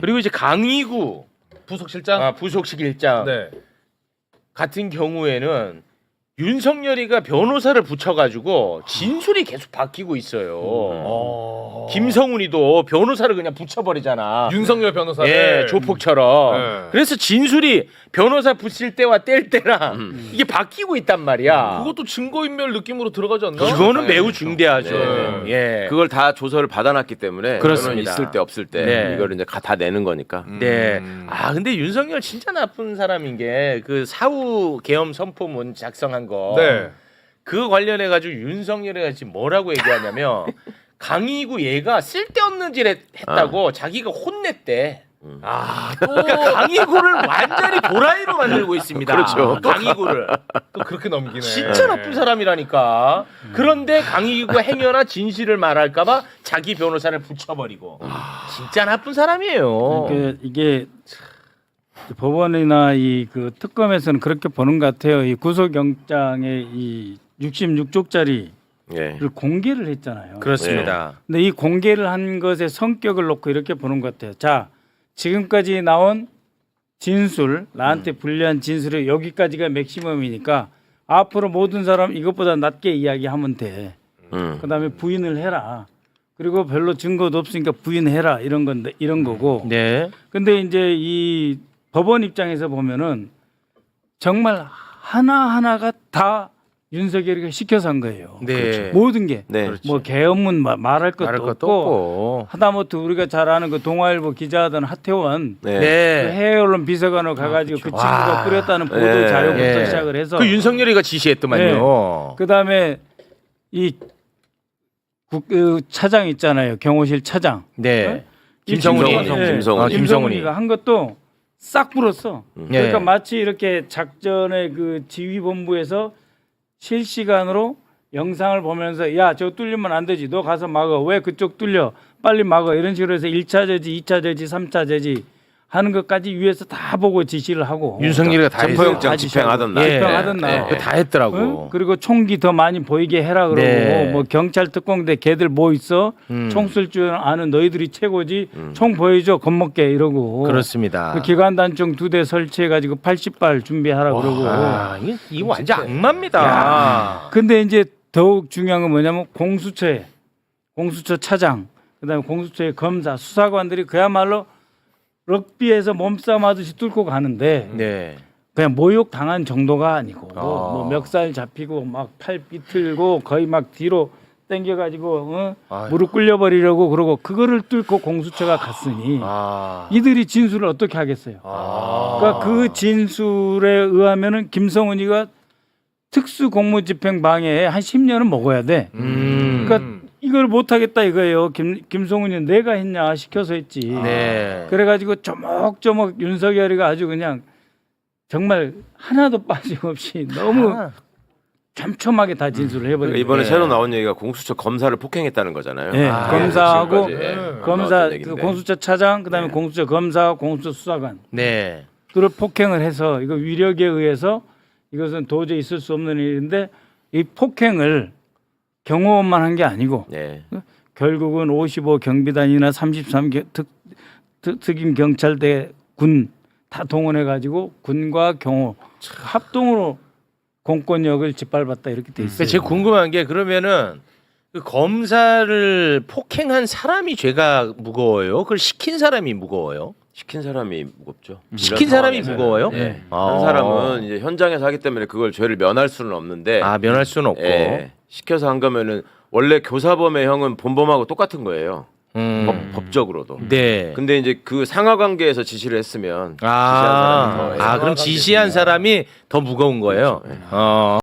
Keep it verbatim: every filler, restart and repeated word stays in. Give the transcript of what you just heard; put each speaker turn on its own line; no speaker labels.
그리고 이제 강의구
부속실장?
아, 부속실장
네.
같은 경우에는 윤석열이가 변호사를 붙여가지고 진술이 계속 바뀌고 있어요.
어...
김성훈이도 변호사를 그냥 붙여버리잖아.
윤석열 변호사를
예, 조폭처럼.
네.
그래서 진술이 변호사 붙일 때와 뗄 때랑
음.
이게 바뀌고 있단 말이야.
그것도 증거인멸 느낌으로 들어가지 않나?
이거는 매우
당연히
중대하죠.
네.
예.
그걸 다 조서를 받아놨기 때문에
그렇습니다.
저는 있을 때 없을 때
네.
이걸 이제 다 내는 거니까.
네.
음.
아 근데 윤석열 진짜 나쁜 사람인 게 그 사후 계엄 선포문 작성한 거.
네.
그 관련해 가지고 윤석열이가 지금 뭐라고 얘기하냐면 강의구 얘가 쓸데없는 짓 했- 했다고 자기가 혼냈대.
아, 또,
그러니까 강의구를 완전히 도라이로 만들고 있습니다.
그렇죠.
강의구를.
또 그렇게 넘기네.
진짜 나쁜 사람이라니까. 그런데 강의구가 행여나 진실을 말할까봐 자기 변호사를 붙여버리고. 진짜 나쁜 사람이에요.
그러니까 이게 법원이나 이 그 특검에서는 그렇게 보는 것 같아요. 이 구속영장의 이 육십육 쪽짜리를
예.
공개를 했잖아요.
그렇습니다.
근데 이 공개를 한 것의 성격을 놓고 이렇게 보는 것 같아요. 자, 지금까지 나온 진술, 나한테 불리한 진술이 여기까지가 맥시멈이니까 앞으로 모든 사람 이것보다 낮게 이야기하면 돼.
음.
그다음에 부인을 해라. 그리고 별로 증거도 없으니까 부인해라 이런 건데 이런 거고.
네.
근데 이제 이 법원 입장에서 보면은 정말 하나 하나가 다 윤석열이가 시켜서 한 거예요.
네.
모든 게.
네.
뭐 계엄문 마- 말할 것도,
말할 것도
없고,
없고.
하다못해 우리가 잘 아는 그 동아일보 기자하던 하태원
네.
그
네.
해외 언론 비서관으로 가가지고 그 친구가
와.
뿌렸다는 보도
네.
자료부터
예.
시작을 해서
그 윤석열이가 지시했더만요.
그 다음에 이 국, 그 차장 있잖아요. 경호실 차장.
네.
이
김성훈이.
김성훈이, 예,
김성훈이.
아, 김성훈이.
김성훈이가 한 것도 싹 불었어. 그러니까
네.
마치 이렇게 작전의 그 지휘본부에서 실시간으로 영상을 보면서 야, 저 뚫리면 안 되지. 너 가서 막아. 왜 그쪽 뚫려? 빨리 막아. 이런 식으로 해서 일 차 저지, 이 차 저지, 삼 차 저지 하는 것까지 위에서 다 보고 지시를 하고
윤석열이가 다 했어요.
체포영장 집행하던 날.
예.
집행하던 날.
그거 다 했더라고.
응? 그리고 총기 더 많이 보이게 해라 그러고
네.
뭐 경찰 특공대 걔들 뭐 있어?
음.
총 쓸 줄 아는 너희들이 최고지. 총 보여줘 겁먹게 이러고.
그렇습니다.
그 기관단총 두 대 설치해 가지고 팔십 발 준비하라 그러고.
아, 이게, 이거 완전 악마입니다.
근데 이제 더욱 중요한 건 뭐냐면 공수처에 공수처 차장, 그다음에 공수처의 검사, 수사관들이 그야말로 럭비에서 몸싸움 하듯이 뚫고 가는데
네.
그냥 모욕 당한 정도가 아니고
아.
뭐 멱살 잡히고 막 팔 삐틀고 거의 막 뒤로 당겨가지고 어?
아유.
무릎 꿇려버리려고 그러고 그거를 뚫고 공수처가 갔으니
아.
이들이 진술을 어떻게 하겠어요?
아.
그러니까 그 진술에 의하면은 김성훈이가 특수공무집행 방해에 한 십 년은 먹어야 돼.
음.
그러니까 이걸 못 하겠다 이거예요. 김 김성훈이 내가 했냐 시켜서 했지.
네.
그래가지고 조목조목 윤석열이가 아주 그냥 정말 하나도 빠짐없이 너무
아.
촘촘하게 다 진술을 해버린
그러니까
거예요.
이번에
네.
새로 나온 얘기가 공수처 검사를 폭행했다는 거잖아요.
네,
아,
검사하고
지금까지, 예,
검사
나왔던
그
얘기인데.
공수처 차장 그다음에
네.
공수처 검사 공수처 수사관
네.
들을 폭행을 해서 이거 위력에 의해서 이것은 도저히 있을 수 없는 일인데 이 폭행을 경호원만 한 게 아니고
네.
결국은 오십오 경비단이나 삼십삼 겨- 특, 특, 특임 경찰대 군 다 동원해 가지고 군과 경호 합동으로 공권력을 짓밟았다 이렇게 돼 있어요.
그러니까 제가 궁금한 게 그러면은 그 검사를 폭행한 사람이 죄가 무거워요? 그걸 시킨 사람이 무거워요?
시킨 사람이 무겁죠.
시킨
이런
사람이
상황에서는.
무거워요?
예.
아.
한 사람은 이제 현장에서 하기 때문에 그걸 죄를 면할 수는 없는데
아 면할 수는 없고.
예, 시켜서 한 거면은 원래 교사범의 형은 본범하고 똑같은 거예요.
음.
법, 법적으로도.
네.
근데 이제 그 상하 관계에서 지시를 했으면 지시한
아,
사람이 더
아 그럼 지시한 사람이 더 무거운 거예요.
그렇죠. 예.
어.